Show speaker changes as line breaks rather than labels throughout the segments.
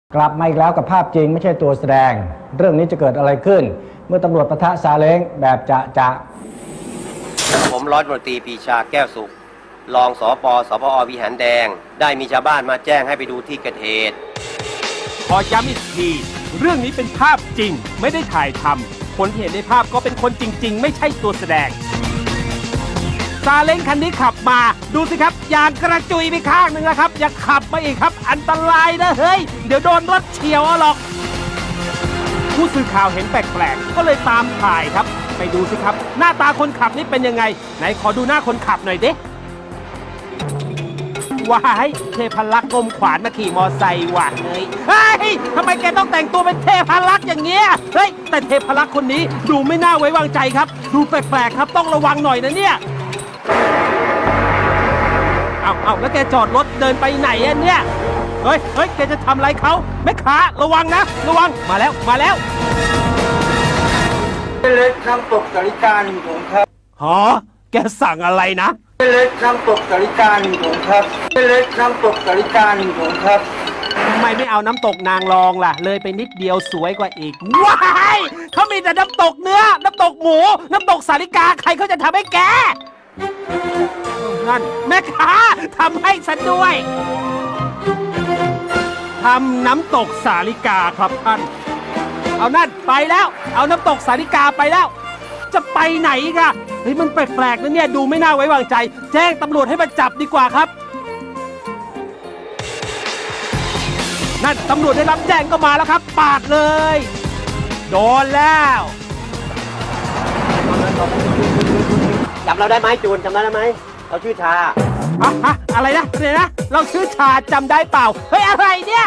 กลับมาอีกแล้วกับภาพจริงไม่ใช่ตัวแสดงเรื่องนี้จะเกิดอะไรขึ้นเมื่อตำรวจปะทะซาเล้งแบบจะ
ผมร้อยตำรวจตรีปรีชาแก้วสุขรองสปวิหารแดงได้มีชาวบ้านมาแจ้งให้ไปดูที่เกิดเหตุ
ขอย้ำอีกทีเรื่องนี้เป็นภาพจริงไม่ได้ถ่ายทำคนที่เห็นในภาพก็เป็นคนจริงๆไม่ใช่ตัวแสดงซาเล้งคันนี้ขับมาดูสิครับยางกระจุยไปข้างหนึ่งแล้วครับอย่าขับมาอีกครับอันตรายนะเฮ้ยเดี๋ยวโดนรถเฉียวเอาหรอกผู้สื่อข่าวเห็นแปลกๆก็เลยตามถ่ายครับไปดูสิครับหน้าตาคนขับนี่เป็นยังไงไหนขอดูหน้าคนขับหน่อยดิว้ายเทพลักษ์กลมขวานมาขี่มอไซค์ว่ะเฮ้ยทำไมแกต้องแต่งตัวเป็นเทพลักษ์อย่างเงี้ยเฮ้ยแต่เทพลักษ์คนนี้ดูไม่น่าไว้วางใจครับดูแปลกๆครับต้องระวังหน่อยนะเนี่ยเอาแล้วแกจอดรถเดินไปไหนอ่ะเนี่ยเฮ้ยแกจะทำอะไรเขาแม่ค้าระวังนะระวังมาแล้ว
เล็กน้ำตกสาริกาหนึ่งถุงครับ
ฮะแกสั่งอะไรนะ
เล็กน้ำตกสาริกาหนึ่งถุงครับเล็กน้ำตกสาริกาหนึ่งถุงครับ
ทำไมไม่เอาน้ำตกนางรองล่ะเลยไปนิดเดียวสวยกว่าอีกว้ายเขามีแต่น้ำตกเนื้อน้ำตกหมูน้ำตกสาลิกาใครเขาจะทำให้แกนั่นแม่ค้าทำให้ฉันด้วยทำน้ำตกสาลิกาครับท่านเอานั่นไปแล้วเอาน้ำตกสาลิกาไปแล้วจะไปไหนอีกอะเฮ้ยมันแปลกๆนะเนี่ยดูไม่น่าไว้วางใจแจ้งตำรวจให้มาจับดีกว่าครับนั่นตำรวจได้รับแจ้งก็มาแล้วครับปาดเลยโดนแล้ว
จำเราได้ไหมจูนจำได้ไหมเราชื่อชา
อะไรนะเราชื่อชาจำได้เปล่าเฮ้ยอะไรเนี่ย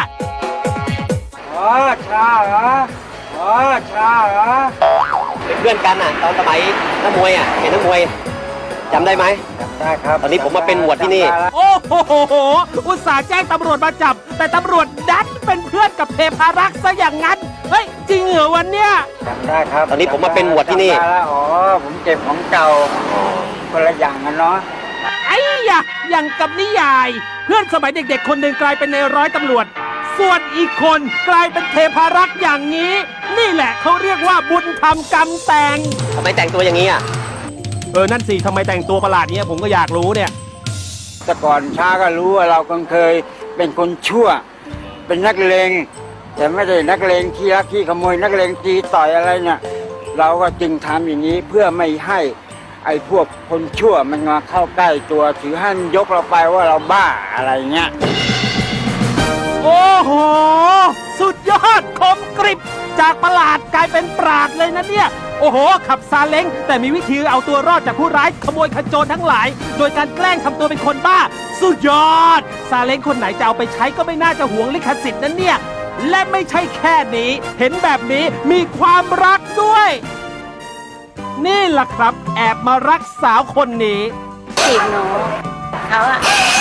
ชาเหรอชาเหรอ
เป็นเพื่อนกันอ่ะตอนสมัยนักมวยอ่ะเป็นนักมวยจำได้ไหม
ได้ครับ
ตอนนี้ผมมาเป็นหมวดที่นี่
โอ้โหอุตส่าห์แจ้งตำรวจมาจับแต่ตำรวจดันเป็นเพื่อนกับเทพารักษ์ซะอย่างนั้นเฮ้ยจริงเหรอวันเนี้ย
จำได้ครับ
ตอนนี้ผมมาเป็นหมวดที่นี่
ผมเก็บของเก่าคนละอย่างกันเนาะ
ไอ้ยะอย่างกับนิยายเพื่อนสมัยเด็กๆคนหนึ่งกลายเป็นนายร้อยตำรวจส่วนอีกคนกลายเป็นเทพารักษ์อย่างนี้นี่แหละเขาเรียกว่าบุญทำกรรมแต่ง
ทำไมแต่งตัวอย่างนี้อ่ะ
นั่นสิทำไมแต่งตัวประหลาดเนี้ยผมก็อยากรู้เนี่ย
แต่ก่อนช้าก็รู้ว่าเราเคยเป็นคนชั่วเป็นนักเลงแต่ไม่ได้นักเลงขี้ลักขี้ขโมยนักเลงตีต่อยอะไรเนี่ยเราก็จึงทำอย่างนี้เพื่อไม่ให้ไอ้พวกคนชั่วมันมาเข้าใกล้ตัวถือให้มันยกเราไปว่าเราบ้าอะไรเงี้ย
โอ้โหสุดยอดคมกริบจากประหลาดกลายเป็นปราดเลยนะเนี่ยโอ้โหขับซาเล้งแต่มีวิธีเอาตัวรอดจากผู้ร้ายขโมยขโจรทั้งหลายโดยการแกล้งทำตัวเป็นคนบ้าสุดยอดซาเล้งคนไหนจะเอาไปใช้ก็ไม่น่าจะหวงลิขสิทธิ์นั้นเนี่ยและไม่ใช่แค่นี้เห็นแบบนี้มีความรักด้วยนี่แหละครับแอบมารักสาวคนนี้
จีบหนูเขาอะ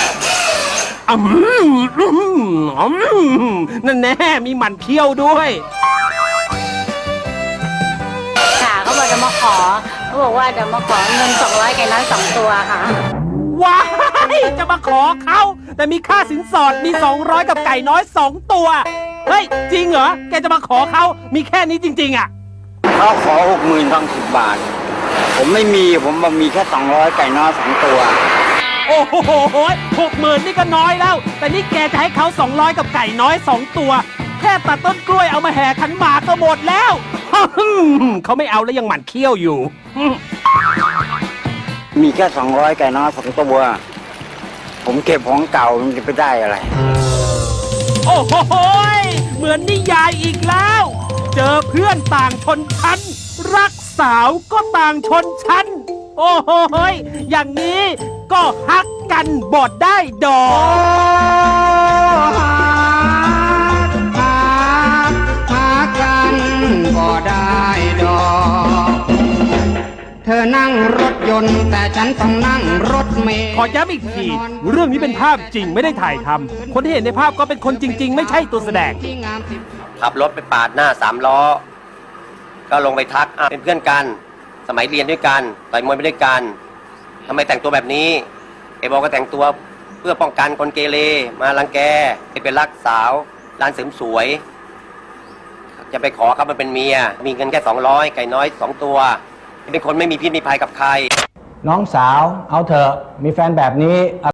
นั่นแน่มีหมั่นเคี้ยวด้วย
ค่ะเขาบอกจะมาขอเขาบอกว่าจะมาขอเงิน200ไก่น้อย2ตัวค่ะ
ว้ายจะมาขอเขาแต่มีค่าสินสอดมี200กับไก่น้อย2ตัวเฮ้ยจริงเหรอแกจะมาขอเขามีแค่นี้จริงๆอ่ะ
เขาขอ60,000 ทั้ง10 บาทผมไม่มีผมมีแค่200ไก่น้อย2ตัว
โอ้โห60,000นี่ก็น้อยแล้วแต่นี่แกจะให้เขา200กับไก่น้อย2ตัวแค่ตัดต้นกล้วยเอามาแห่ขันหมากก็หมดแล้วเขาไม่เอาแล้วยังหมั่นเคี้ยวอยู่
มีแค่200ไก่น้อย2ตัวผมเก็บของเก่ามันจะไปได้อะไร
โอ้โหเหมือนนิยายอีกแล้วเจอเพื่อนต่างชนชั้นรักสาวก็ต่างชนชั้นโอ้โหอย่างนี้ก็ฮักกันบอดได้ดอก
ฮักกันบ่ได้ดอกเธอนั่งรถยนต์แต่ฉันต้องนั่งรถเมล์
ขอย้ำอีกทีเรื่องนี้เป็นภาพจริงไม่ได้ถ่ายทำคนที่เห็นในภาพก็เป็นคนจริงๆไม่ใช่ตัวแสดง
ขับรถไปปาดหน้า3 ล้อก็ลงไปทักเป็นเพื่อนกันสมัยเรียนด้วยกันต่อยมวยไปด้วยกันทำไมแต่งตัวแบบนี้ไอ้บอกก็แต่งตัวเพื่อป้องกันคนเกเรมารังแกเป็นรักสาวร้านเสริมสวย จะไปขอเขามาเป็นเมีย มีเงินแค่200ไก่น้อย2ตัวเป็นคนไม่มีพิษมีภัยกับใคร
น้องสาว เอาเถอะ มีแฟนแบบนี้